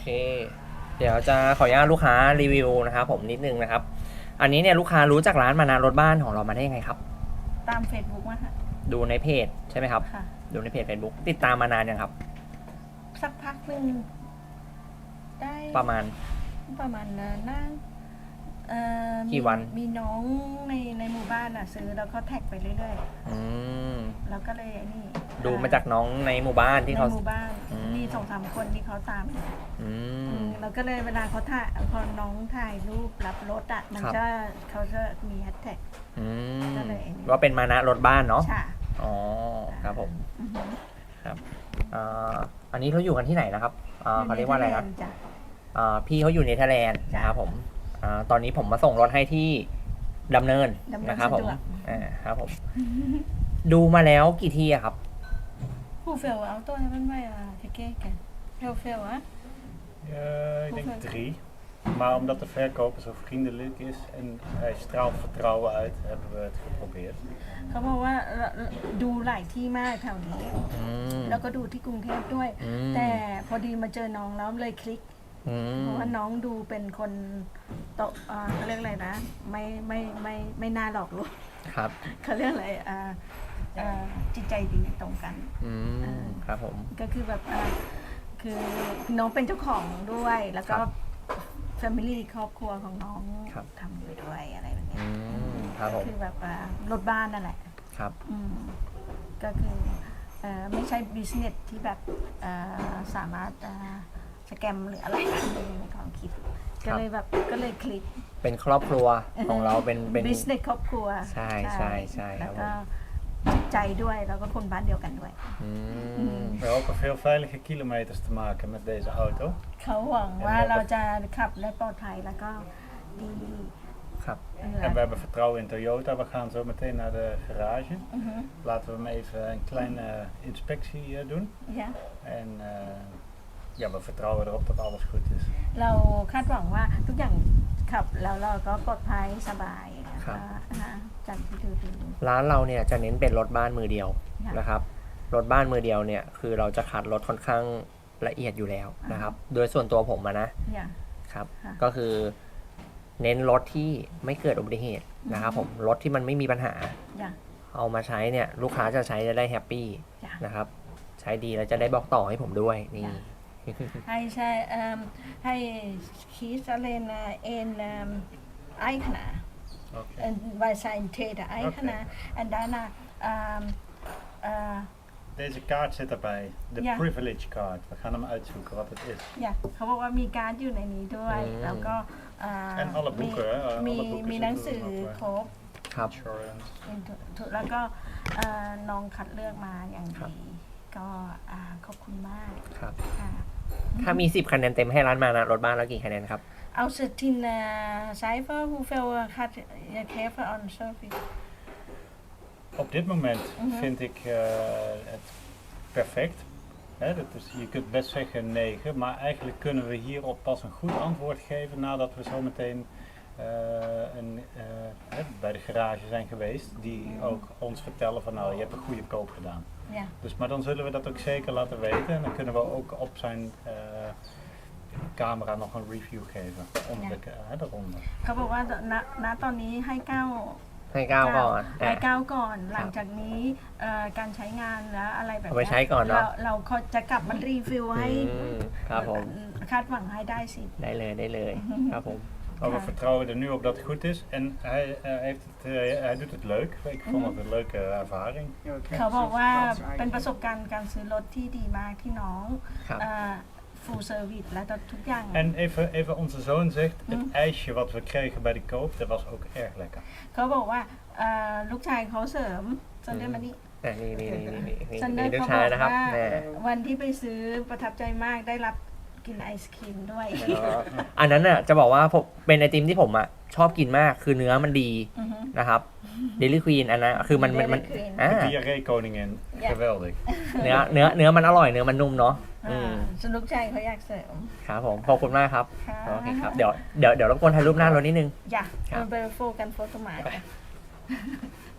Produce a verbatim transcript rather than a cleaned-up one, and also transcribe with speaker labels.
Speaker 1: เคเดี๋ยวจะขออนุญาตลูกค้ารีวิวนะครับผมนิดนึงนะครับอันนี้เนี่ยลูกค้ารู้จักร้านมานานรถบ้านของเรามาได้ยังไงครับ
Speaker 2: ตาม Facebook มาค่ะ
Speaker 1: ดูในเพจใช่ไหมครับ
Speaker 2: ค่ะ
Speaker 1: ดูในเพจ Facebook ติดตามมานานยังครับ
Speaker 2: สักพักหนึ่งได้
Speaker 1: ประมาณ
Speaker 2: ประมาณนั้นนะเอ่อ
Speaker 1: กี่วัน
Speaker 2: มีน้องในในหมู่บ้านอ่ะซื้อแล้วก็แท็กไปเรื่อย
Speaker 1: อืม
Speaker 2: ๆแล้วก็เลยนี่
Speaker 1: ดูมาจากน้องในหมู่บ้านที่เขา
Speaker 2: ในหมู่บ้าน
Speaker 1: อืม
Speaker 2: มีสองสามคนที่เขาตามอยู่
Speaker 1: อื
Speaker 2: อื
Speaker 1: ม
Speaker 2: มแล้วก็เลยเวลาเขาถ่ายพอน้องถ่ายรูปรับรถอ่ะมัน
Speaker 1: ครับ
Speaker 2: จะเขาจะมีแฮชแท็ก
Speaker 1: อืม
Speaker 2: ก็เลย
Speaker 1: ว่าเป็นมานะรถบ้านเนาะ
Speaker 2: ใช่
Speaker 1: อ๋อครับผม
Speaker 2: อือฮึ
Speaker 1: ครับอ่าอันนี้เขาอยู่กันที่ไหนนะครับอ่าเขาเรียกว่าอะไรนะ
Speaker 2: จ้ะ
Speaker 1: อ่าพี่เขาอยู่เนเธอร์แลนด์นะครับผมอ่าตอนนี้ผมมาส่งรถให้ที่ดำเนิน
Speaker 2: ดำเนิน
Speaker 1: นะครับผม
Speaker 2: สะดวก
Speaker 1: อ่าครับผม ดูมาแล้วกี่ที่อะครับ
Speaker 2: Hoeveel auto hebben wij uh, gekeken? Heel veel, hè?
Speaker 3: Uh, ik
Speaker 2: Hoeveel?
Speaker 3: denk drie. Maar omdat de verkoper zo vriendelijk is en hij straalt vertrouwen uit, hebben we het geprobeerd.
Speaker 2: เขาบอกว่าดูหลายที่มากแถวนี้
Speaker 1: อืม
Speaker 2: แล้วก็ดูที่กรุงเทพด้วย
Speaker 1: อืม
Speaker 2: แต่พอดีมาเจอน้องแล้วเลยคลิก
Speaker 1: อื
Speaker 2: เพ
Speaker 1: ม
Speaker 2: ราะว่าน้องดูเป็นคนโตอ่าเขาเรียกอะไรนะ ไม่ไม่ไม่ไม่น่าหลอกลวง
Speaker 1: ครับ
Speaker 2: เขาเรียกอะไรอ่าอ่าจิตใจดีตรงกัน
Speaker 1: อืมครับผม
Speaker 2: ก็คือแบบอ่าคือน้องเป็นเจ้าของด้วย แล้วก็
Speaker 1: ครับ
Speaker 2: แฟมิลี่ครอบครัวของน้อง
Speaker 1: ครับ
Speaker 2: ทำอยู่ด้วยอะไรแบบเนี้
Speaker 1: อื
Speaker 2: ย
Speaker 1: มครับผ
Speaker 2: ก็
Speaker 1: ม
Speaker 2: คือแบบอ่ารถบ้านนั่นแหละ
Speaker 1: ครับ
Speaker 2: อืมก็คือเอ่อไม่ใช่บิสเนสที่แบบเอ่อสามารถเอ่อสแกมหรืออะไรในความคิด ก็เลยแบบก็เลยคลิก
Speaker 1: เป็นครอบครัวของเราเป็นเป็น
Speaker 2: บิสเนสครอบครัว
Speaker 1: ใช่ใช่ใช่ครั
Speaker 2: แล้
Speaker 1: บ
Speaker 2: ว
Speaker 1: ผม
Speaker 2: ก็จิตใจด้วยแล้วก็คนบ้านเดียวกันด้วย
Speaker 1: อืม
Speaker 3: We hopen veel veilige kilometers te maken met deze auto.
Speaker 2: เขาหวังว่าเราจะขับและปลอดภัยแล้วก็ดี
Speaker 1: ครับ
Speaker 2: เออ
Speaker 3: En we hebben vertrouwen in Toyota. We gaan zo meteen naar de garage.
Speaker 2: อือฮึ
Speaker 3: Laten we hem even een kleine inspectie uh, doen.
Speaker 2: ยะ
Speaker 3: En uh, ja, we vertrouwen erop dat alles goed is.
Speaker 2: เราคาดหวังว่าทุกอย่างขับแล้วเราก็ปลอดภัยสบายนะ
Speaker 1: ครั
Speaker 2: คะ
Speaker 1: บ
Speaker 2: นะจากที่ดูดู
Speaker 1: ร้านเราเนี่ยจะเน้นเป็นรถบ้านมือเดียว
Speaker 2: ค่ะ
Speaker 1: นะครับรถบ้านมือเดียวเนี่ยคือเราจะคัดรถค่อนข้างละเอียดอยู่แล้วนะครับ โดยส่วนตัวผมอะนะ
Speaker 2: อย่าง
Speaker 1: ครับ
Speaker 2: ค่ะ
Speaker 1: ก็คือเน้นรถที่ไม่เกิดอุบัติเหตุนะครับผมรถที่มันไม่มีปัญหา
Speaker 2: อย่าง
Speaker 1: เอามาใช้เนี่ยลูกค้าจะใช้จะได้แฮปปี้
Speaker 2: จ้ะ
Speaker 1: นะครับใช้ดีแล้วจะได้บอกต่อให้ผมด้วยนี่
Speaker 2: จ้ะ Hij zei, um, hij kiest alleen uh, één um, eigenaar.
Speaker 3: Oké.
Speaker 2: En wij zijn tweede eigenaar. En daarna, um, uh,
Speaker 3: Deze kaart zit erbij. De
Speaker 2: Ja.
Speaker 3: privilege card. We gaan hem uitzoeken wat het is.
Speaker 2: อยากเขาบอกว่ามีการ์ดอยู่ในนี้ด้วย
Speaker 1: อืม
Speaker 2: แล้วก็อ่า
Speaker 3: En alle
Speaker 2: มี
Speaker 3: boeken, hè? Alle
Speaker 2: มี
Speaker 3: boeken
Speaker 2: มีหนัง
Speaker 3: zitten
Speaker 2: สือ
Speaker 3: er nog
Speaker 2: คร
Speaker 3: bij.
Speaker 2: บ
Speaker 1: ครับ
Speaker 3: Insurance.
Speaker 2: เป็นทุกแล้วก็เอ่อน้องคัดเลือกมาอย่าง
Speaker 1: ครับ
Speaker 2: ดี ก็อ่าขอบคุณมาก
Speaker 1: ครับ
Speaker 2: ค่ะ
Speaker 1: ถ้ามีสิบคะแนนเต็มให้ร้านมานะรถบ้านแล้วกี่คะแนนครับ
Speaker 2: Als het in uh, cijfer, hoeveel uh, gaat je geven aan service?
Speaker 3: Op dit moment
Speaker 2: Mhm.
Speaker 3: vind ik uh, het perfect. Hè, dat is, je kunt best zeggen negen, maar eigenlijk kunnen we hierop pas een goed antwoord geven nadat we zo meteen uh, een, uh, hè, bij de garage zijn geweest. Die
Speaker 2: Mhm.
Speaker 3: ook ons vertellen van nou je hebt een goede koop gedaan.
Speaker 2: Ja.
Speaker 3: Dus, maar dan zullen we dat ook zeker laten weten en dan kunnen we ook op zijn uh, camera nog een review geven onder
Speaker 2: Ja.
Speaker 3: de, uh, daaronder.
Speaker 2: เขาบอกว่าณณตอนนี้ให้เก้า
Speaker 1: ให้เก้าก่อน
Speaker 2: ให้
Speaker 1: อ่ะ
Speaker 2: เก้าก่อน หลังจากนี้เอ่อการใช้งานและอะไรแบบ
Speaker 1: เอาไป
Speaker 2: เนี้ย
Speaker 1: ใช้ก่อนเนอะ
Speaker 2: เราเราจะกลับมารีวิวให้
Speaker 1: อืมครับผม
Speaker 2: คาดหวังให้ได้สิ
Speaker 1: ได้เลยได้เลยครับผม
Speaker 3: Maar we
Speaker 2: Ja.
Speaker 3: vertrouwen er nu op dat het goed is en hij, uh, heeft het, uh, hij doet het leuk. Ik vond het een leuke ervaring.
Speaker 2: เขาบอกว่าเป็นประสบการณ์การซื้อรถที่ดีมากที่น้อง
Speaker 1: ครับ
Speaker 2: ฟูลเซอร์วิสและทุกอย่าง
Speaker 3: En even, even onze zoon zegt, het
Speaker 2: Mm.
Speaker 3: ijsje wat we kregen bij de koop, dat was ook erg lekker.
Speaker 2: เขาบอกว่าเอ่อลูกชายเขาเสริมซันเดอร์มานี่
Speaker 1: อ่ะนี่นี่นี่นี่นี่
Speaker 2: ซันเดอ
Speaker 1: นี่
Speaker 2: ร์
Speaker 1: ลูก
Speaker 2: เขาบ
Speaker 1: ชาย
Speaker 2: อก
Speaker 1: นะครับ
Speaker 2: ว่า
Speaker 1: แม่
Speaker 2: วันที่ไปซื้อประทับใจมากได้รับกินไอศครีมด้วย
Speaker 1: อันนั้นน่ะจะบอกว่าผมเป็นไอติมที่ผมอ่ะชอบกินมากคือเนื้อมันดี
Speaker 2: อือฮึ
Speaker 1: นะครับเดลิควีนอันนั้นคือมันมันมัน
Speaker 2: Dairy Queen
Speaker 1: อ่า
Speaker 3: De diarree koningin,
Speaker 2: Ja.
Speaker 3: geweldig.
Speaker 1: เนื้อเนื้อเนื้อมันอร่อยเนื้อมันนุ่มเนาะอื
Speaker 2: อ่าม ส่วนลูกชายเขาอยากเสริม
Speaker 1: ครับผมขอบคุณมากครับ
Speaker 2: ค่ะ
Speaker 1: โอเคครับเดี๋ยวเดี๋ยวเดี๋ยวรบกวนถ่ายรูปหน้ารถนิดนึง
Speaker 2: อย่า
Speaker 1: ครับ
Speaker 2: เอาไปโฟกันโฟตัวหมาย